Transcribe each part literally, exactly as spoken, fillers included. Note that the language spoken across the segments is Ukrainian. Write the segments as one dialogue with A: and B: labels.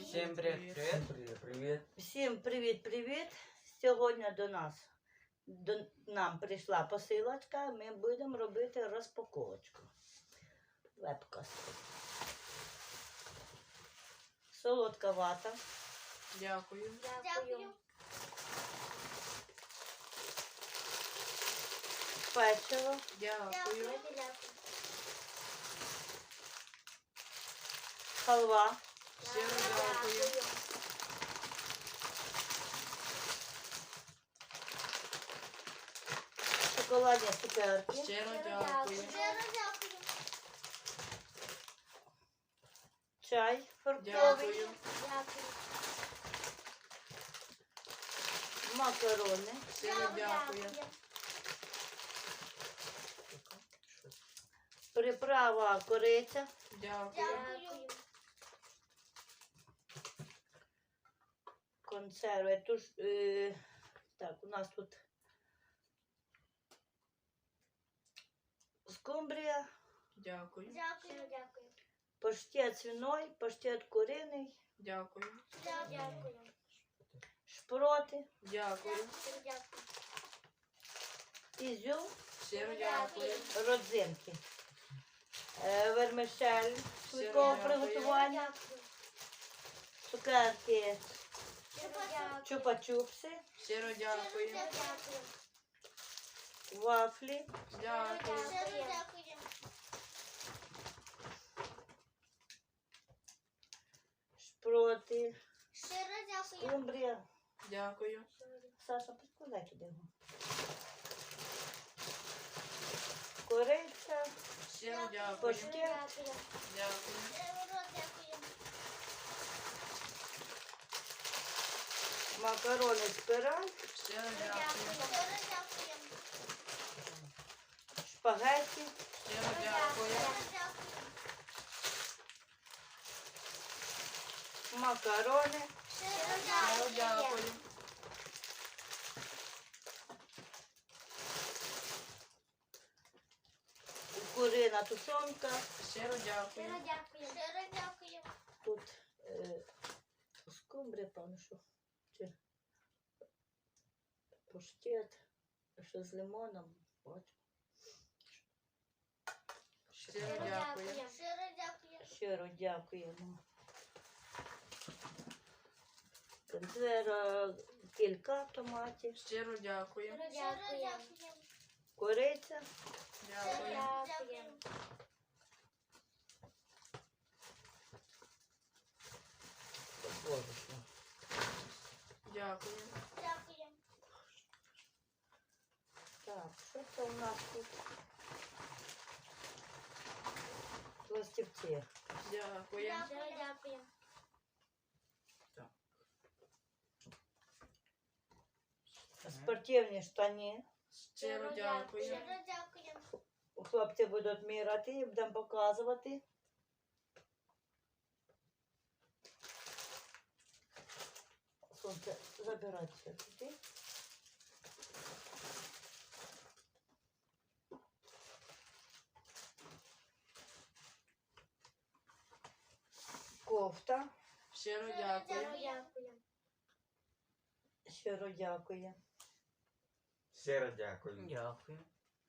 A: Всім привіт, привіт.
B: Всім привіт, привіт.
C: Всім привіт-привіт! Сьогодні до нас до нам прийшла посилочка. Ми будемо робити розпаковочку. Вебка. Солодка вата.
A: Дякую.
D: Дякую.
C: Печиво.
A: Дякую.
C: Халва.
A: Щиро дякую.
C: Шоколадні цукерки.
A: Щиро дякую.
C: Чай фруктовий.
A: Дякую.
C: Макарони.
A: Щиро дякую.
C: Приправа кориця.
A: Дякую.
C: Консерви. Туш, е, так, у нас тут скумбрія,
A: Дякую.
D: Дякую. Дякую.
C: паштет свиной, паштет куриний,
A: Дякую.
D: Дякую.
C: шпроти,
A: Дякую.
C: ізюм,
A: Щиро дякую.
C: родзинки, е, вермишель швидкого
A: дякую.
C: приготування, цукерки, чупа-чупси,
A: Щиро дякую.
C: вафлі,
A: Дякую.
C: шпроти,
D: Щиро дякую.
C: скумбрія.
A: Дякую.
C: Саша, підкладай туди його. Кориця,
A: Щиро дякую.
C: паштет,
A: Дякую.
C: макарони спираль,
A: Щиро дякую.
C: шпагетті,
A: Щиро дякую.
C: макарони,
A: Щиро дякую.
C: курина тушонка.
A: Щиро дякую.
C: Тут е, скумбрія, певно, що чи паштет, що з лимоном. От.
A: Щиро дякую.
C: Щиро дякуємо. Консерва, кілька томатів,
A: Щиро дякую.
C: кориця,
A: Дякую.
C: борошно.
A: Дякую.
C: Так, що це у нас тут? Пластівці.
A: Дякую.
C: Спортивні штані.
A: Щиро дякую.
C: Хлопці будуть міряти і будемо показувати. Сонце, забирайте туди. Кофта.
A: Щиро дякую.
C: Щиро дякую.
B: Щиро дякую.
A: Дякую.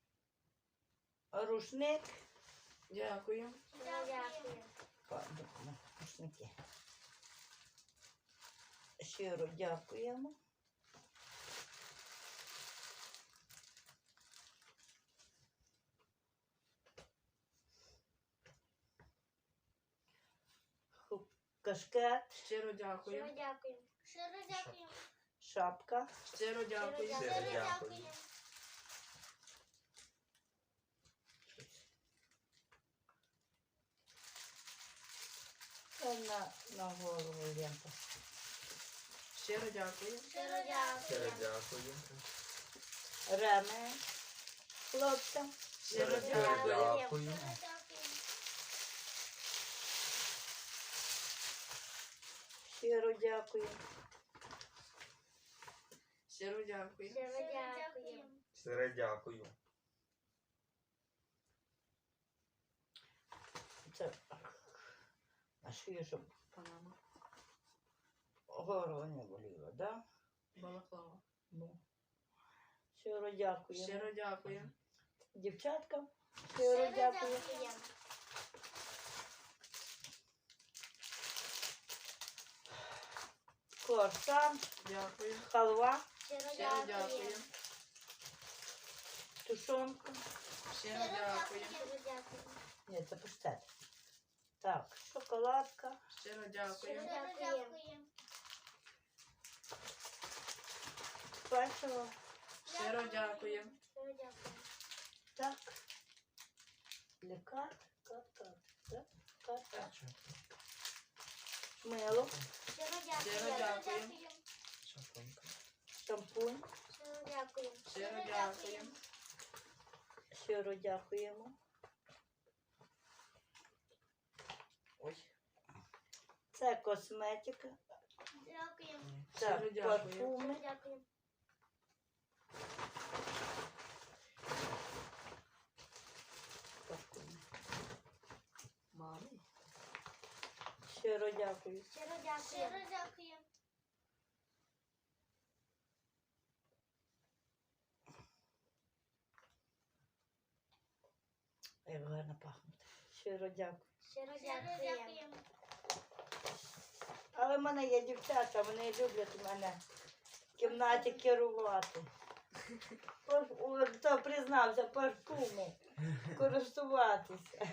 C: Рушник.
A: Дякую.
C: Пардон, рушники. Щиро дякуємо. Ху- Кашкет,
A: Щиро дякую.
C: шапка,
A: Щиро дякую.
B: Щиро дякую.
C: та на, на голову лента.
A: Щиро дякую.
B: Щиро дякую.
C: Реме хлопцям.
A: Щиро
B: Щиро
A: дякую.
B: дякую.
C: Щиро дякую.
A: Щиро дякую.
B: Щиро дякую.
C: Це на шию, щоб Панама. Горло не боліло, да?
A: Балаклава.
C: Ну. Щиро дякуємо.
A: Щиро дякую.
C: Дівчаткам щиро
D: Щиро
C: дякую.
D: дякуємо.
C: Корсан,
A: Дякую.
C: халва,
D: Щиро
A: Щиро дякую.
D: дякуємо.
C: тушонка.
A: Щиро дякую.
D: Щиро дякуємо.
C: Ні, це паштет. Так, шоколадка,
A: Щиро
D: Щиро
A: дякую.
D: дякуємо.
C: печиво.
A: Щиро дякую.
D: Щиро дякуємо.
C: Так. Лікар, кат, кат, так, кат, кат. Мило,
D: Щиро
A: Щиро
D: дякуємо.
A: дякую.
C: шампунь.
D: Щиро дякуємо.
A: Щиро дякую.
C: Щиро дякуємо. Ой. Це косметика.
D: Дякуємо.
C: Так,
A: Щиро дякую.
C: парфуми.
D: Щиро дякуємо.
C: Парфуми. Мамі. Щиро дякую.
D: Щиро дякуємо. Щиро дякуємо.
C: Як гарно пахнуть. Щиро дякую.
D: Щиро дякуємо.
C: Але в мене є дівчата, вони люблять мене в кімнаті керувати. Пар- о, Хто признався, парфуми користуватися.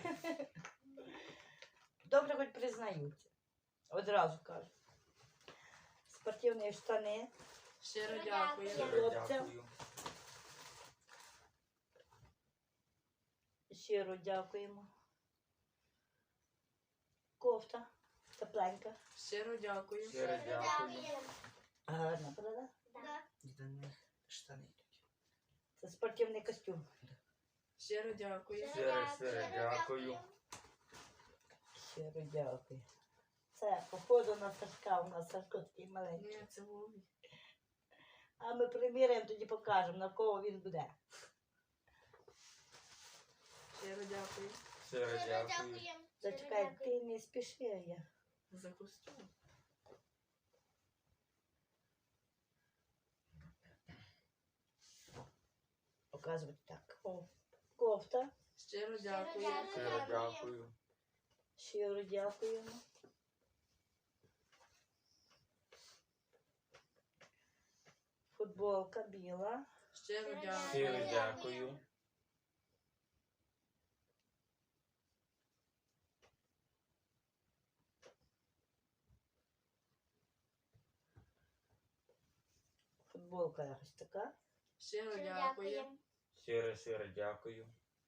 C: Добре, хоч признаються. Одразу кажу. Спортивні штани.
A: Щиро дякую.
B: Щиро
C: Хлопцям.
B: дякую.
C: Щиро дякуємо. Кофта. Тепленька.
A: Щиро дякую.
B: Щиро дякую.
C: Гарна, правда?
D: Так.
E: До них штани йдуть.
C: Це спортивний костюм.
A: Щиро дякую.
B: Щиро, щиро дякую.
C: Щиро дякую. Це, походу, на Сашка, у нас Сашко такий маленький.
A: Ні, це Вові.
C: А ми приміряємо, тоді покажемо, на кого він буде.
A: Щиро дякую.
B: Щиро
D: Щиро
B: дякую.
D: дякуємо.
C: Зачекай, ти не спіши я.
A: За костюм.
C: Показувати так. О, кофта.
A: Щиро дякую.
B: Щиро дякую.
C: Щиро дякуємо. Футболка біла.
A: Щиро дякую.
B: Щиро дякую.
C: Футболка якось така.
A: Щиро дякую.
B: Щиро, щиро дякую.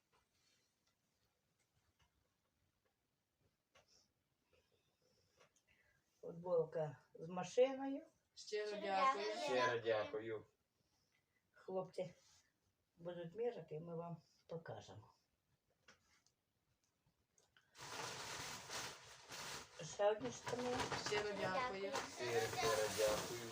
C: Футболка з машиною.
A: Щиро
D: Щиро
A: дякую.
D: дякую.
B: Щиро дякую.
C: Хлопці будуть міряти, і ми вам покажемо. Ще одні штани.
A: Щиро дякую.
B: Щиро, щиро дякую.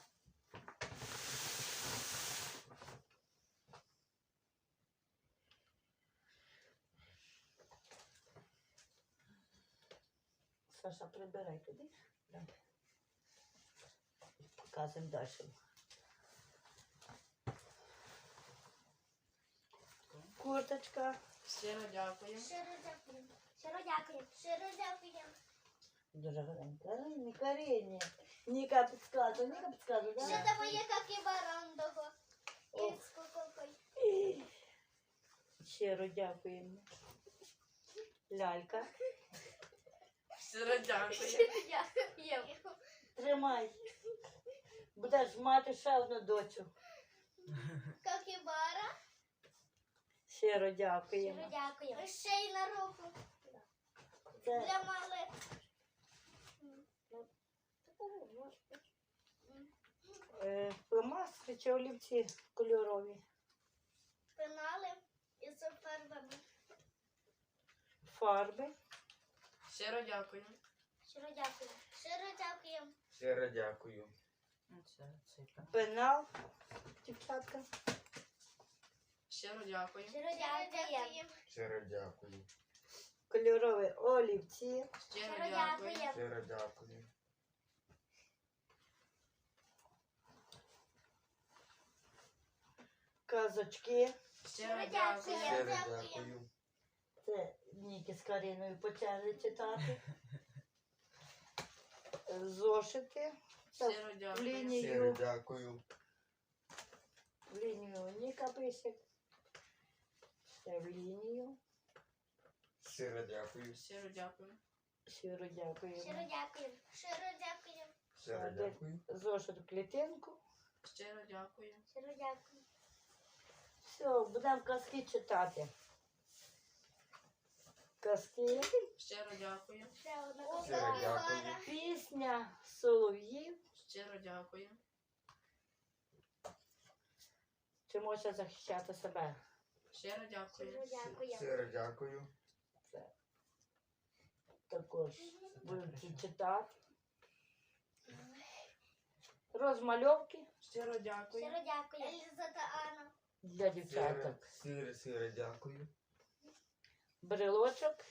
C: Саша, прибирай туди. Да. Показуємо далі. Курточка.
A: Щиро дякую.
D: Щиро дякуємо. Щиро дякуємо. Щиро дякуємо.
C: Дуже гарненька. Ай, не Карині. Ніка підказує, Ніка підказує,
D: Що
C: да?
D: там є капібарон того?
C: О.
D: І з куколкою.
C: Щиро дякуємо. Лялька.
A: Щиро дякую.
D: Дякуємо.
C: Тримай. Будеш мати ще одну дочу.
D: Капібара.
C: Щиро
D: Щиро
C: дякуємо.
D: дякуємо. Ще й на руку.
C: Це
D: Для малих.
C: е, фломастери чи олівці кольорові.
D: Пенали із фарбами.
C: Фарби.
A: Щиро дякую.
D: Щиро дякуємо. Щиро дякуємо.
B: Щиро дякую.
E: Це цей пен.
C: Пенал. Дівчатка.
A: Щиро дякую.
D: Щиро дякуємо.
B: Щиро дякую.
C: Кольорові олівці.
A: Щиро
D: Щиро
A: дякую.
D: дякуємо.
B: Щиро дякую.
C: казочки.
A: Щиро
D: Щиро
A: дякую.
D: дякую.
B: Щиро
D: Дякую.
B: дякую.
C: Це Ніки з Кариною почали читати. Зошити. Це
A: Щиро
C: в
A: дякую.
B: Щиро
C: лінію,
B: дякую.
C: в лінію Ніка пише. Це в лінію.
B: Щиро дякую.
A: Щиро дякую.
C: Щиро дякуємо.
D: Щиро дякую. Щиро дякую.
B: Щиро дякую.
C: Зошит в клітинку.
A: Щиро дякую.
D: Щиро дякую.
C: Все, будемо казки читати. Казки.
A: Щиро дякую.
D: Ще одна
B: Щиро
D: копійка.
B: дякую.
C: Пісня солов'їв.
A: Щиро дякую.
C: Вчимося захищати себе.
A: Щиро дякую.
D: Щиро дякую.
B: Щиро дякую.
C: Це також будемо читати. Розмальовки
A: Щиро дякую.
D: Щиро дякую. Еліза та Анна.
C: для дівчаток.
B: Щиро, щиро дякую.
C: Брелочок.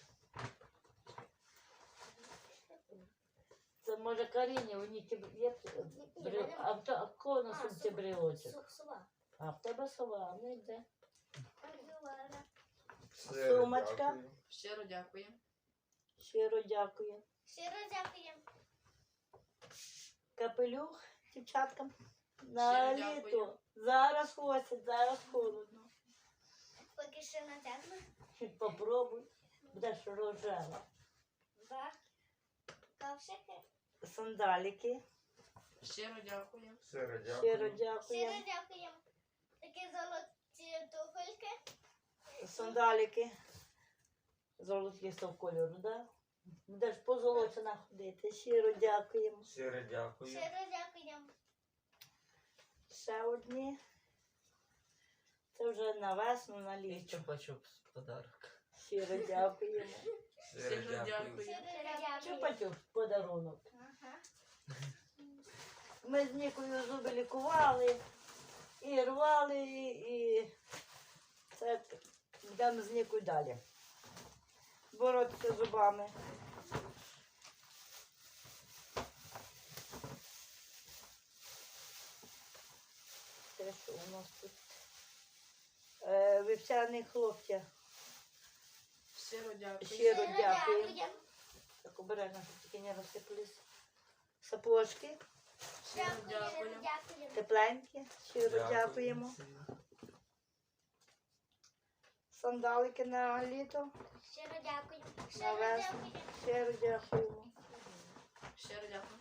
C: Це може Каріні, у них є брел... а в та- а в кого на
D: А,
C: сумці
D: су-
C: брелочок?
D: Су- Сува.
C: А в тебе сова, не йде.
D: Маргулара.
B: Щиро
C: Сумочка.
B: дякую.
A: Щиро дякую.
C: Щиро дякую.
D: Щиро дякую.
C: Капелюх дівчаткам. На
A: Щиро
C: літо.
A: дякую.
C: Зараз хвостить, зараз холодно.
D: Поки що натягну.
C: Попробуй. Будеш рожева.
D: Два. Ковшики.
C: Сандаліки.
A: Щиро дякую.
B: Щиро
C: Щиро
B: дякую.
C: дякую.
D: Щиро дякую. Такі золоті туфельки.
C: Сандаліки. Золотистого кольору, да? Будеш позолочена ходити. Щиро дякуємо.
B: Щиро дякую.
D: Щиро дякую.
C: Ще одні. Це вже на весну, на
E: І
C: літо.
E: чупа-чупс подарок.
C: Щиро дякуємо.
B: Щиро
A: Щиро
B: дякую.
A: дякую.
D: Щиро дякую.
C: Чупа-чуп подарунок.
D: Ага.
C: Ми з Нікою зуби лікували, і рвали, і так йдемо з Нікою далі. Боротися з зубами. Це що у нас тут? Е, вівсяний хлопця.
A: Щиро дякую.
C: Щиро
D: Щиро
C: дякую.
D: дякую.
C: Так обережно, щоб тільки не розсипались. Сапожки
A: Щиро
D: Щиро
A: дякую.
D: дякую.
C: тепленькі. Щиро
B: Дякую.
C: дякуємо. Сандалики на літо.
D: Щиро дякую.
C: На
D: Щиро
C: весну.
D: дякую.
C: Щиро дякуємо.
A: Щиро дякую.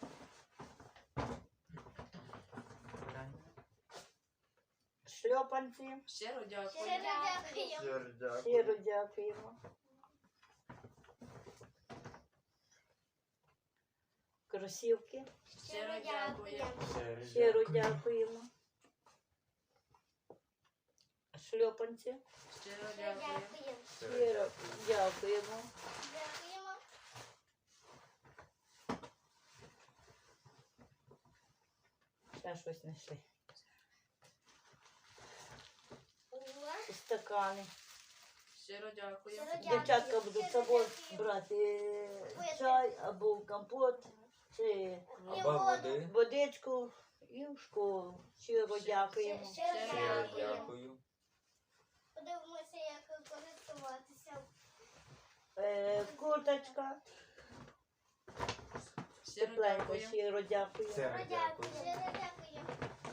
E: Правильно.
C: Шльопанці.
A: Щиро дякую.
D: Щиро дякую.
B: Щиро дякую.
C: Щиро дякуємо. Кросівки.
A: Щиро дякую.
B: Щиро
C: Щиро
B: дякую.
C: дякуємо. Шльопанці.
A: Щиро
D: Щиро
A: дякую.
D: дякую.
C: Щиро дякуємо.
D: Дякуємо.
C: Ще щось знайшли.
D: Ура.
C: І стакани.
A: Щиро дякую.
D: Щиро дякую.
C: Дівчатка будуть з
D: Щиро
C: собою
D: дякую.
C: брати е, чай або компот, чи
B: Або води.
C: водичку і в школу. Щиро дякуємо.
D: Щиро
A: Щиро
B: Щиро
D: дякую.
B: дякую.
D: Подивимося, як користуватися.
C: Е, Курточка.
A: Щиро
C: Тепленько.
A: дякую.
C: Щиро дякуємо.
B: Щиро
D: Щиро дякую. Щиро дякую.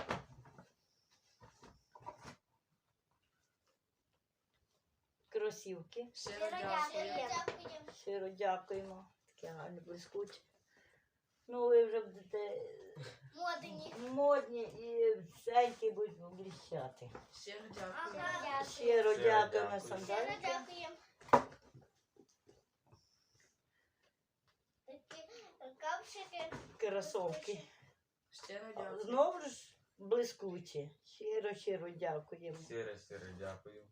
C: Кросівки.
A: Щиро
D: Щиро дякую.
A: дякую.
D: Дякую.
C: Щиро дякуємо. Таке гарне блискуче. Ну, ви вже будете
D: Модені.
C: модні і всенькі будуть блищати.
A: Щиро дякую.
D: Ага, дякую.
C: Щиро
B: Щиро
C: дякуємо
B: дякую.
D: Щиро
C: сандаліки.
D: дякую. Такі ковшики.
C: Кросовки.
A: Щиро дякую.
C: Знову ж блискучі. Щиро, щиро дякуємо.
B: Щиро, щиро дякую.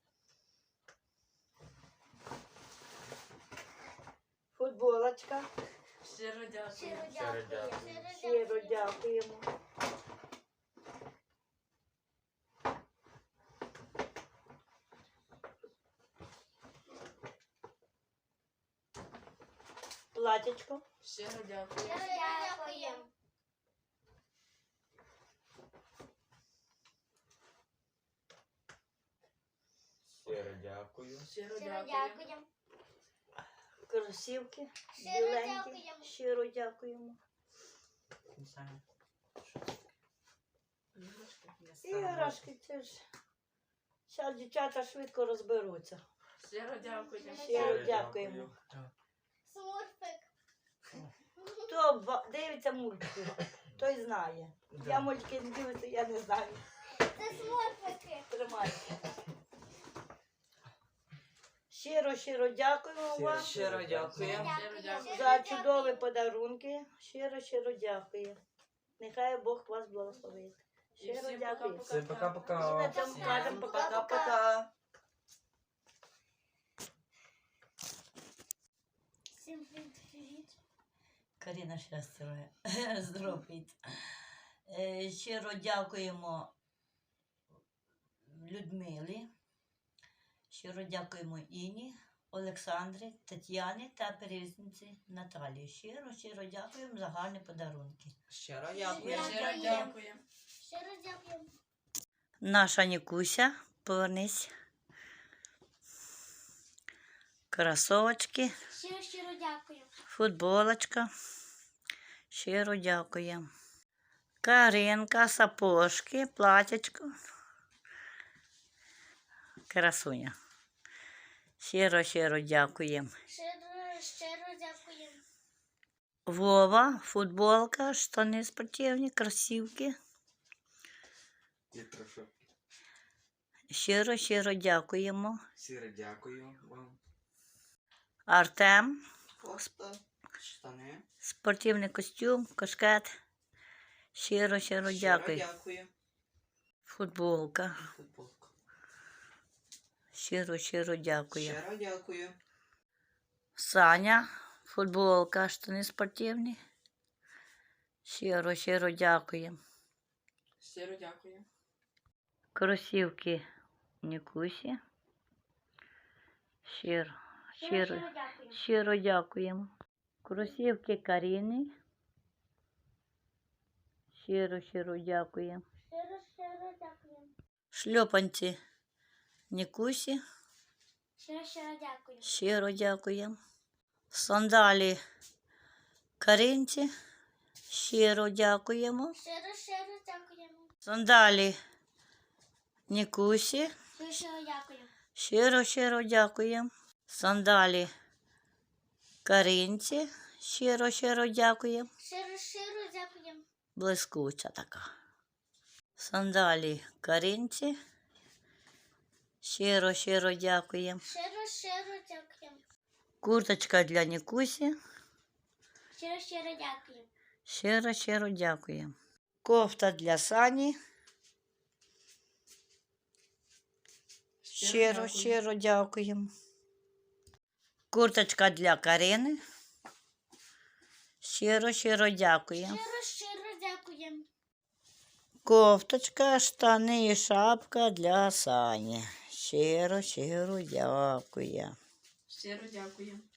C: Футболочка.
A: Щиро дякую.
D: Щиро
B: Щиро
D: дякую.
B: дякую.
C: Щиро дякуємо. Платячко.
A: Щиро дякую.
D: Щиро дякую.
B: Щиро дякую.
A: Щиро
D: Щиро
A: дякую.
D: дякуємо.
C: Кросівки
D: Щиро
C: біленькі.
D: дякуємо.
C: Щиро дякуємо.
E: Не знаю.
A: Іграшки.
E: Я сам
C: Іграшки це ж. Зараз дівчата швидко розберуться.
A: Щиро дякую.
C: Щиро дякуємо.
D: Смурфик.
C: Хто ба- дивиться мультики, той знає.
E: Да.
C: Я мультики не дивлюся, я не знаю.
D: Це смурфики.
C: Тримайте. Щиро, щиро дякуємо вам
E: Щиро дякую.
A: Щиро дякую.
C: за чудові подарунки. Щиро, щиро дякую. Нехай Бог вас благословить.
A: І
C: Щиро
A: всім
C: дякую.
A: пока-пока.
B: Всім
C: І на
B: пока-пока.
C: цьому кажемо пока-пока.
E: Пока-пока.
D: Всім привіт.
C: Каріна щастя. Здоров'я. Е, Щиро дякуємо Людмилі. Щиро дякуємо Іні, Олександрі, Тетяні та перевізниці Наталії. Щиро, щиро дякуємо за гарні подарунки.
E: Щиро дякую.
A: Щиро дякую.
D: Щиро дякуємо.
C: Наша Нікуся, повернись. Кросовочки,
D: Щиро, щиро дякую.
C: футболочка. Щиро дякуємо. Каринка, сапожки, платячко. Красуня. Щиро, щиро дякуємо.
D: Щиро, щиро дякуємо.
C: Вова, футболка, штани спортивні, кросівки.
B: І прошу.
C: Щиро, щиро дякуємо.
B: Щиро дякую вам.
C: Артем,
E: Кофта, штани.
C: спортивний костюм, кашкет. Щиро, щиро дякую.
E: дякую.
C: Футболка.
E: Футболка.
C: Щиро, щиро дякую.
E: Щиро дякую.
C: Саня, футболка, штани спортивні. Щиро, щиро дякую.
A: Щиро дякую.
C: Кросівки Нікусі. Щиро, щиро,
D: дякую.
C: щиро дякуємо. Кросівки Каріни. Щиро, щиро дякуємо.
D: Щиро, щиро дякуємо.
C: Шльопанці Нікусі.
D: Щиро, щиро дякую.
C: Щиро дякуємо. Сандалі Каринці. Щиро дякуємо.
D: Щиро, щиро дякуємо.
C: Сандалі Нікусі.
D: Щиро, щиро дякую.
C: Щиро, щиро дякуємо. Сандалі Каринці. Щиро, щиро дякуємо.
D: Щиро, щиро дякуємо.
C: Блискуча така. Сандалі Каринці. Щиро, щиро дякуємо.
D: Щиро, щиро дякуємо.
C: Курточка для Нікусі.
D: Щиро, щиро дякую.
C: Щиро, щиро дякуємо. Кофта для Сані. Щиро,
A: дякую.
C: щиро дякуємо. Курточка для Карини. Щиро, щиро дякуємо.
D: Щиро, щиро дякуємо.
C: Кофточка, штани і шапка для Сані. Щиро, щиро дякую.
A: Щиро дякую.